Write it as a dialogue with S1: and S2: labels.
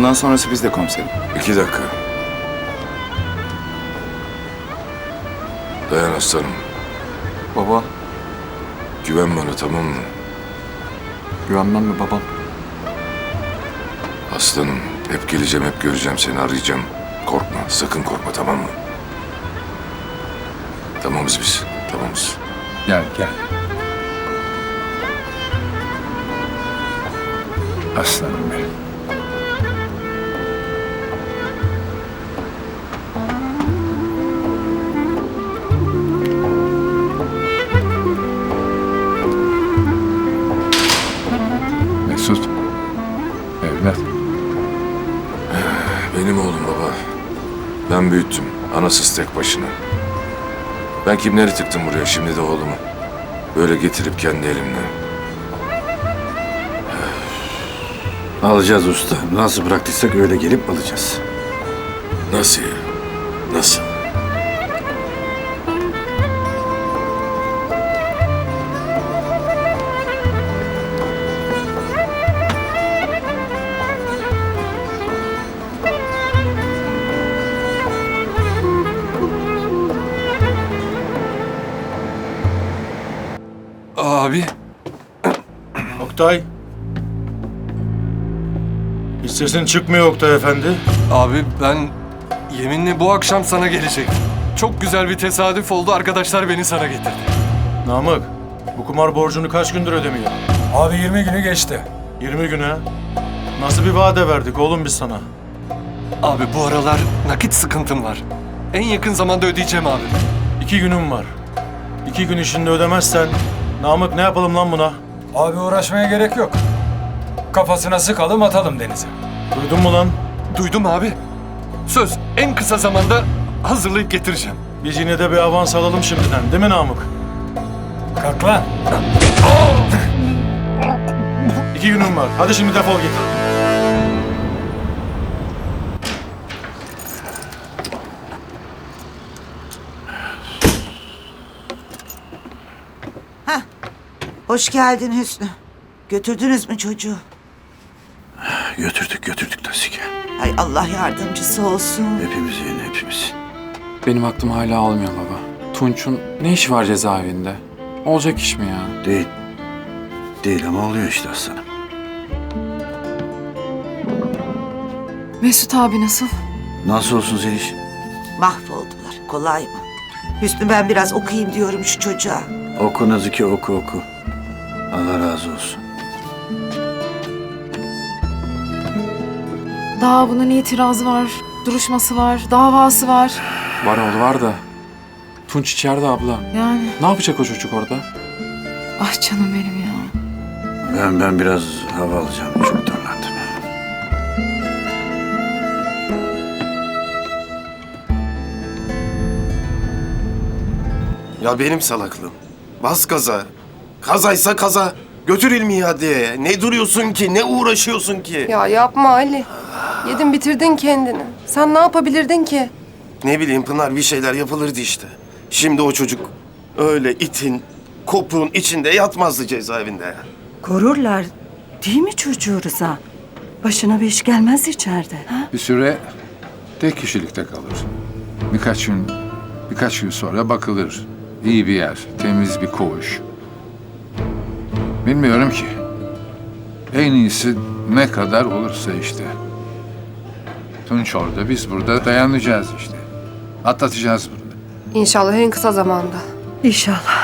S1: Bundan sonrası bizde komiserim.
S2: 2 dakika. Dayan aslanım.
S3: Baba,
S2: Güven bana, tamam mı?
S3: güvenmem mi babam?
S2: Aslanım, hep geleceğim, hep göreceğim seni, arayacağım. Korkma, sakın korkma, tamam mı? Tamamız biz, tamamız.
S4: Gel gel. Aslanım benim. Mesut. Evlat.
S2: Benim oğlum baba. Ben büyüttüm, anasız tek başına. Ben kimleri tıktım buraya, şimdi de oğlumu. Böyle getirip kendi elimle.
S5: Alacağız usta. Nasıl bıraktıysak öyle gelip alacağız.
S2: Nasıl ya? Nasıl?
S6: Abi,
S7: Oktay. Hiç sesin çıkmıyor Oktay Efendi.
S6: abi ben yeminle bu akşam sana gelecektim. Çok güzel bir tesadüf oldu, arkadaşlar beni sana getirdi.
S7: Namık, bu kumar borcunu kaç gündür ödemiyor?
S4: Abi 20 günü geçti.
S7: 20 güne. Nasıl bir vade verdik oğlum biz sana?
S6: Abi bu aralar nakit sıkıntım var. En yakın zamanda ödeyeceğim abi.
S7: 2 günüm var. 2 gün içinde ödemezsen, Namık ne yapalım lan buna?
S4: Abi uğraşmaya gerek yok. Kafasına sıkalım atalım denize.
S7: Duydun mu lan?
S6: Duydum abi. Söz, en kısa zamanda hazırlayıp getireceğim.
S7: Biz yine de bir avans alalım şimdiden, değil mi Namık?
S4: Kalk lan.
S7: 2 günüm var. Hadi şimdi defol git.
S8: Hoş geldin Hüsnü. Götürdünüz mü çocuğu?
S5: Götürdük Tasike.
S8: Hay Allah yardımcısı olsun.
S5: Hepimizin, hepimizin.
S3: Benim aklım hala almıyor baba. Tunç'un ne işi var cezaevinde? Olacak iş mi ya?
S5: Değil. Değil ama oluyor işte aslanım.
S9: Mesut abi nasıl?
S5: Nasıl olsun Zeliş?
S8: Mahvoldular. Kolay mı? Hüsnü ben biraz okuyayım diyorum şu çocuğa.
S5: Oku Nazike, oku. Allah razı olsun.
S9: Daha bunun itirazı var, duruşması var, davası var.
S3: Var oğlu var da. Tunç içeride abla.
S9: Yani
S3: Ne yapacak o çocuk orada?
S9: ah canım benim ya.
S5: Ben biraz hava alacağım. Çok darlandım.
S10: Ya benim salaklığım. Bas gaza. Kazaysa kaza. Götür İlmi'yi adliyeye. Ne duruyorsun ki? Ne uğraşıyorsun ki?
S11: Ya yapma Ali. Yedin bitirdin kendini. Sen ne yapabilirdin ki?
S10: Ne bileyim Pınar, bir şeyler yapılırdı işte. Şimdi o çocuk öyle itin, kopuğun içinde yatmazdı cezaevinde ya.
S12: Korurlar değil mi çocuğu Rıza? Başına bir iş gelmez içeride. Ha?
S4: Bir süre tek kişilikte kalır. Birkaç gün sonra bakılır. İyi bir yer, temiz bir koğuş. Bilmiyorum ki. En iyisi ne kadar olursa işte. Tunç orada, biz burada dayanacağız işte. Atlatacağız bunu.
S11: İnşallah en kısa zamanda.
S12: İnşallah.